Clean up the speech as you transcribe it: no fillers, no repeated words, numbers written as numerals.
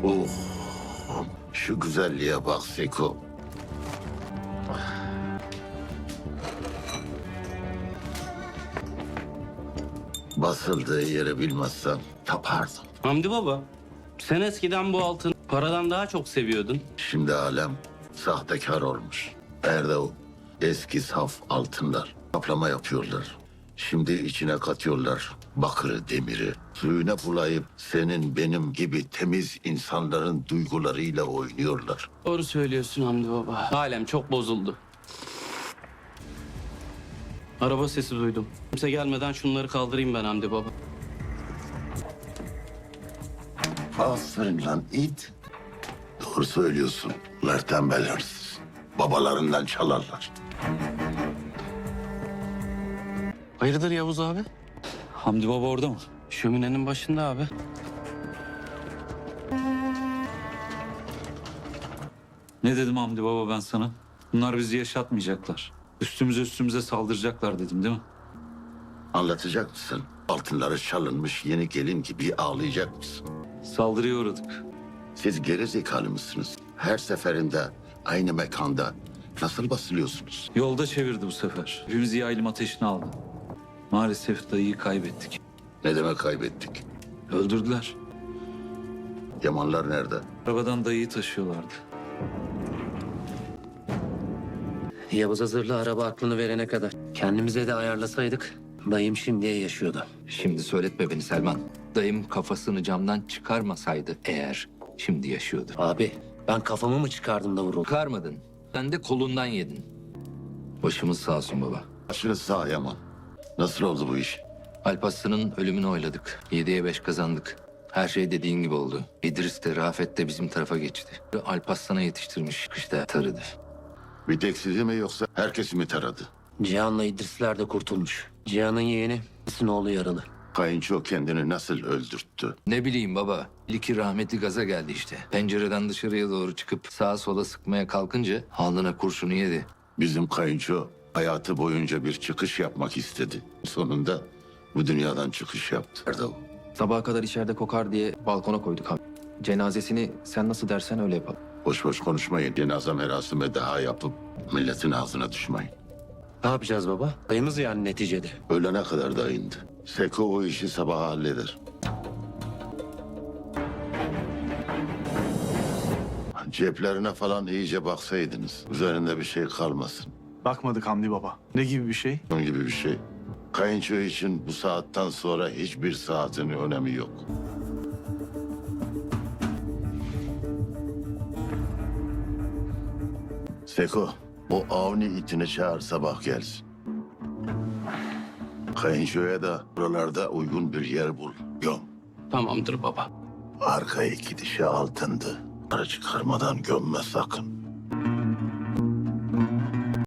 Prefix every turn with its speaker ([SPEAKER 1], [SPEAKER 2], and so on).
[SPEAKER 1] Oh, şu güzelliğe bak Seko. Basıldığı yeri bilmezsem tapardım.
[SPEAKER 2] Hamdi baba, sen eskiden bu altını paradan daha çok seviyordun.
[SPEAKER 1] Şimdi alem sahtekar olmuş. Nerede o eski saf altınlar? Kaplama yapıyorlar. Şimdi içine katıyorlar bakırı, demiri. Suyuna bulayıp senin benim gibi temiz insanların duygularıyla oynuyorlar.
[SPEAKER 2] Doğru söylüyorsun Hamdi baba. Alem çok bozuldu. Araba sesi duydum. Kimse gelmeden şunları kaldırayım ben Hamdi baba.
[SPEAKER 1] Aferin lan it. Doğru söylüyorsun. Bunlar tembel hırsız. Babalarından çalarlar.
[SPEAKER 2] Hayırdır Yavuz abi?
[SPEAKER 3] Hamdi Baba orada mı?
[SPEAKER 2] Şöminenin başında abi.
[SPEAKER 3] Ne dedim Hamdi Baba ben sana? Bunlar bizi yaşatmayacaklar. Üstümüze saldıracaklar dedim değil mi?
[SPEAKER 1] Anlatacak mısın? Altınları çalınmış yeni gelin gibi ağlayacak mısın?
[SPEAKER 3] Saldırıya uğradık.
[SPEAKER 1] Siz geri zekalı mısınız? Her seferinde aynı mekanda nasıl basılıyorsunuz?
[SPEAKER 3] Yolda çevirdi bu sefer. Hepimizi yaylım ateşine aldı. Maalesef dayıyı kaybettik.
[SPEAKER 1] Ne demek kaybettik?
[SPEAKER 3] Öldürdüler.
[SPEAKER 1] Yamanlar nerede?
[SPEAKER 3] Arabadan dayıyı taşıyorlardı.
[SPEAKER 4] Yavuz hazırlı araba aklını verene kadar. Kendimize de ayarlasaydık dayım şimdiye yaşıyordu.
[SPEAKER 5] Şimdi söyletme beni Selman. Dayım kafasını camdan çıkarmasaydı eğer şimdi yaşıyordu.
[SPEAKER 4] Abi ben kafamı mı çıkardım da vuruldum?
[SPEAKER 5] Çıkarmadın. Sen de kolundan yedin. Başımız sağ olsun baba.
[SPEAKER 1] Başınız sağ Yaman. Nasıl oldu bu iş?
[SPEAKER 5] Alparslan'ın ölümünü oyladık. 7'ye 5 kazandık. Her şey dediğin gibi oldu. İdris de Rafet de bizim tarafa geçti. Alparslan'a yetiştirmiş. Kışta tarıdı.
[SPEAKER 1] Bir tek sizi mi yoksa herkesi mi taradı?
[SPEAKER 4] Cihan'la İdrisler de kurtulmuş. Cihan'ın yeğeni, İdris'in oğlu yaralı.
[SPEAKER 1] Kayınço kendini nasıl öldürttü?
[SPEAKER 5] Ne bileyim baba. İlki rahmetli gaza geldi işte. Pencereden dışarıya doğru çıkıp sağa sola sıkmaya kalkınca alnına kurşunu yedi.
[SPEAKER 1] Bizim kayınço hayatı boyunca bir çıkış yapmak istedi. Sonunda bu dünyadan çıkış yaptı. Nerede o?
[SPEAKER 6] Sabaha kadar içeride kokar diye balkona koyduk abi. Cenazesini sen nasıl dersen öyle yapalım.
[SPEAKER 1] Boş boş konuşmayın. Cenaze merasimi daha yapıp milletin ağzına düşmeyin.
[SPEAKER 4] Ne yapacağız baba? Dayımız yani neticede.
[SPEAKER 1] Ölene kadar da indi. Seko o işi sabaha halleder. Ceplerine falan iyice baksaydınız. Üzerinde bir şey kalmasın.
[SPEAKER 7] Bakmadık Hamdi Baba. Ne gibi bir şey?
[SPEAKER 1] Bunun gibi bir şey. Kayınço için bu saatten sonra hiçbir saatin önemi yok. Seko, o Avni itini çağır sabah gelsin. Kayınçoya da buralarda uygun bir yer bul. Göm.
[SPEAKER 2] Tamamdır baba.
[SPEAKER 1] Arka iki dişi altındı. Para çıkarmadan gömme sakın.